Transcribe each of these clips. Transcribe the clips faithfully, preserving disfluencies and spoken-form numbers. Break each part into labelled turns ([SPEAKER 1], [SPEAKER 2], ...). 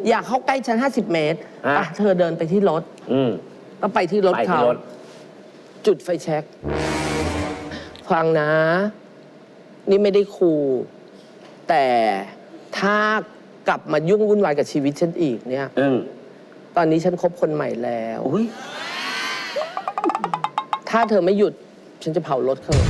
[SPEAKER 1] อยากเข้าใกล้ฉันห้าสิบเมตรไปเธอเดินไปที่รถก็ไปที่รถเขาจุดไฟแช็กฟังนะ นี่ไม่ได้ขู่แต่ถ้ากลับมายุ่งวุ่นวายกับชีวิตฉันอีกเนี่ยตอนนี้ฉันคบคนใหม่แล้วถ้าเธอไม่หยุดฉันจะเผารถเธอ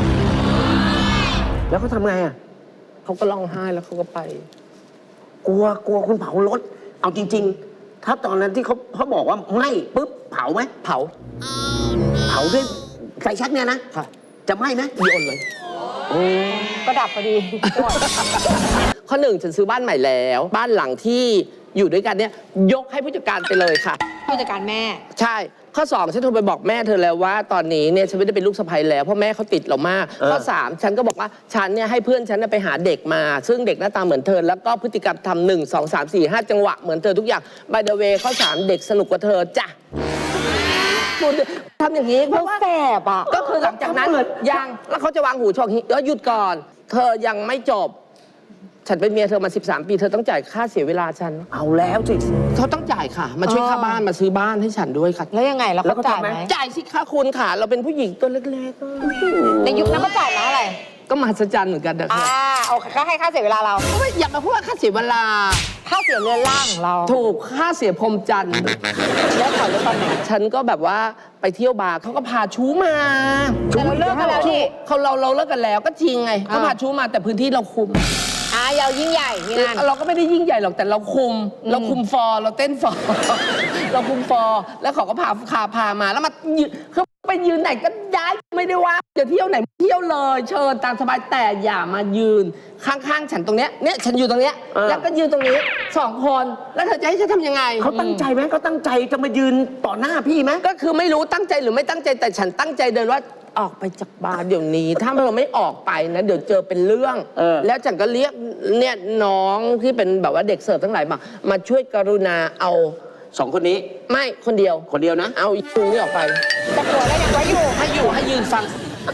[SPEAKER 2] แล้วเขาทำไงอ่ะ
[SPEAKER 1] เขาก็ร้องไห้แล้วเขาก็ไป
[SPEAKER 2] กลัวกลัวคุณเผารถเอาจริงๆถ้าตอนนั้นที่เขาเขาบอกว่าไม่ปุ๊บเผาไหม
[SPEAKER 1] เผา
[SPEAKER 2] เผาด้วยไฟแช็กเนี่ยนะ
[SPEAKER 1] ค่ะ
[SPEAKER 2] จะไหม้ไหม
[SPEAKER 1] โยนเลย
[SPEAKER 3] ก็ดับพอดี
[SPEAKER 1] ข้อหนึ่งฉันซื้อบ้านใหม่แล้วบ้านหลังที่อยู่ด้วยกันเนี่ยยกให้ผู้จัดการไปเลยค่ะ
[SPEAKER 3] ผู้จัดการแม่
[SPEAKER 1] ใช่ข้อสองฉันโทรไปบอกแม่เธอแล้วว่าตอนนี้เนี่ยฉันไม่ได้เป็นลูกสะใภ้แล้วเพราะแม่เขาติดเรามากข้อสามฉันก็บอกว่าฉันเนี่ยให้เพื่อนฉันไปหาเด็กมาซึ่งเด็กหน้าตาเหมือนเธอแล้วก็พฤติกรรมทำหนึ่งสองสามสี่ห้าจังหวะเหมือนเธอทุกอย่าง by the way ข้อสามเด็กสนุกกว่าเธอจ้ะทำอย่างนี้เพราะว่า
[SPEAKER 3] แสบอ่ะ
[SPEAKER 1] ก็คือหลังจากนั้นยังแล้วเขาจะวางหูชอกเดี๋ยวหยุดก่อนเธอยังไม่จบฉันเป็นเมียเธอมาสิบสามปีเธอต้องจ่ายค่าเสียเวลาฉัน
[SPEAKER 2] เอาแล้วสิ
[SPEAKER 1] เขาต้องจ่ายค่ะมาช่วยค่าบ้านมาซื้อบ้านให้ฉันด้วยค่ะ
[SPEAKER 3] แล้วยังไงเราก็จ่ายไหม
[SPEAKER 1] จ่ายสิค่าคุณค่ะเราเป็นผู้หญิงตัวเล็ก
[SPEAKER 3] ๆในยุคนั้นก็จ่ายมาอะไร
[SPEAKER 1] ก็มหัศจรรย์เหมือนกันนะ
[SPEAKER 3] คะอ่าโอเคก็ให้ค่าเสียเวลาเรา
[SPEAKER 1] อย่ามาพูดว่าค่าเสียเวลา
[SPEAKER 3] ค่าเสียเรือนร่างเรา
[SPEAKER 1] ถูกค่าเสียพรมจันทร์
[SPEAKER 3] แล้วขอรู้ตอนไหน
[SPEAKER 1] ฉันก็แบบว่าไปเที่ยวบาร์เขาก็พาชู้มา
[SPEAKER 3] แต่เราเลิกกันแล้วนี่
[SPEAKER 1] เขาเราเราเลิกกันแล้วก็จริงไงเขาพาชู้มาแต่พื้นที่เราคุม
[SPEAKER 3] อ่ะยาวยิ่งใหญ่งาน
[SPEAKER 1] เราก็ไม่ได้ยิ่งใหญ่หรอกแต่เราคุมเราคุมฟอร์เราเต้นฟอร์เราคุมฟอร์แล้วเขาก็พาพาพามาแล้วมาคือไปยืนไหนก็ได้ไม่ได้ว่าจะเที่ยวไหนเที่ยวเลยเชิญตามสบายแต่อย่ามายืนข้างๆฉันตรงเนี้ยเนี่ยฉันอยู่ตรงเนี้ยแล้วก็ยืนตรงนี้สองคนแล้วเธอจะให้ฉันทำยังไง
[SPEAKER 2] เขาตั้งใจไหมเขาตั้งใจจะมายืนต่อหน้าพี่ไหม
[SPEAKER 1] ก็คือไม่รู้ตั้งใจหรือไม่ตั้งใจแต่ฉันตั้งใจเดินว่าออกไปจากบาร์เดี๋ยวนี้ถ้าเราไม่ออกไปนะเดี๋ยวเจอเป็นเรื่องแล้วฉันก็เรียกเนี่ยน้องที่เป็นแบบว่าเด็กเสิร์ฟทั้งหลายมามาช่วยกรุณาเอา
[SPEAKER 2] สองคนนี้
[SPEAKER 1] ไม่คนเดียว
[SPEAKER 2] คนเดียวนะ
[SPEAKER 1] เอาชูนี่ออกไป
[SPEAKER 3] แต่หัวแล้วยังไว้อยู่
[SPEAKER 1] ให้อยู่ให้ยืนฟัง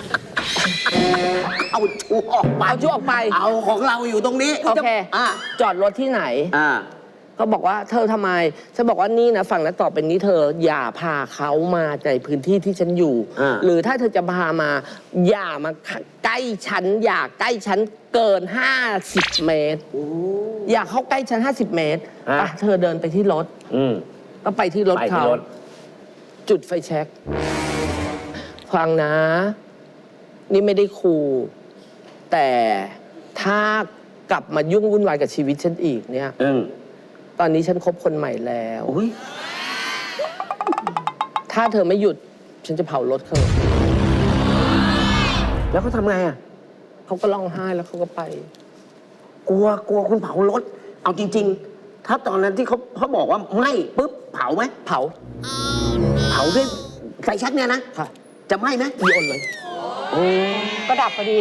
[SPEAKER 2] เอาชูออกไป
[SPEAKER 1] เอาชูออกไป
[SPEAKER 2] เอาของเราอยู่ตรงนี้
[SPEAKER 1] โอเคจอดรถที่ไหน
[SPEAKER 2] อ่า
[SPEAKER 1] ก็บอกว่าเธอทำไมฉันบอกว่านี่นะฝั่งนั้นต่อเป็นนี้เธออย่าพาเขามาในพื้นที่ที่ฉันอยู่หรือถ้าเธอจะพามาอย่ามาใกล้ฉันอย่าใกล้ฉันเกินห้าสิบเมตรอย่าเข้าใกล้ฉันห้าสิบเมตรไปเธอเดินไปที่รถก็ไปที่รถเขาจุดไฟแช็กฟังนะ นี่ไม่ได้ขู่แต่ถ้ากลับมายุ่งวุ่นวายกับชีวิตฉันอีกเนี่ยตอนนี้ฉันคบคนใหม่แล้วถ้าเธอไม่หยุดฉันจะเผารถเธอ
[SPEAKER 2] แล้วเขาทำไงอ่ะ
[SPEAKER 1] เขาก็ร้องไห้แล้วเขาก็ไป
[SPEAKER 2] กลัวกลัวคุณเผารถเอาจริงๆถ้าตอนนั้นที่เขาเขาบอกว่าไม่ปุ๊บเผาไหม
[SPEAKER 1] เผา
[SPEAKER 2] เผาด้วยไฟแช็กเนี่ยนะ
[SPEAKER 1] ค่ะ
[SPEAKER 2] จะไหม้ไหม
[SPEAKER 1] โยนเลย
[SPEAKER 3] ก็ดับพอดี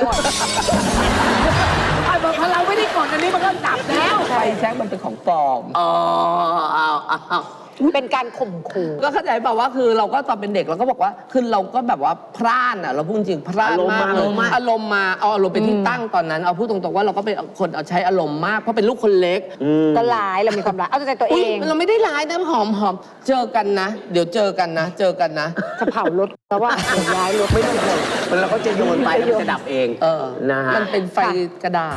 [SPEAKER 1] พอเราไม่ได้กดอันนี้มันก็ดับแล้วไฟแช็กมันเป็นของปลอม
[SPEAKER 2] อ๋อเอาเอา
[SPEAKER 3] เป็นการข่มขู่
[SPEAKER 1] ก็เข้าใจเปล่าว่าคือเราก็ตอนเป็นเด็กเราก็บอกว่าคือเราก็แบบว่าพร่านอ่ะเราพูดจริงพร่านมากเลยอารมณ์มาเอาอารมณ์เป็นที่ตั้งตอนนั้นเอาพูดตรงๆว่าเราก็เป็นคนเอาใช้อารมณ์มากเพราะเป็นลูกคนเล็ก
[SPEAKER 3] ก็ร้ายเรามีความร้ายเอาใจตัวเอง
[SPEAKER 1] เราไม่ได้ร้ายนะหอมหอมเจอกันนะเดี๋ยวเจอกันนะเจอกันนะ
[SPEAKER 3] จะเผารถแล้วว่าย้ายรถไม่ได้เลย
[SPEAKER 2] มันเราก็จะโยนไปแล้วมันจะดับเอง
[SPEAKER 1] เออนะฮะมันเป็นไฟกระดาษ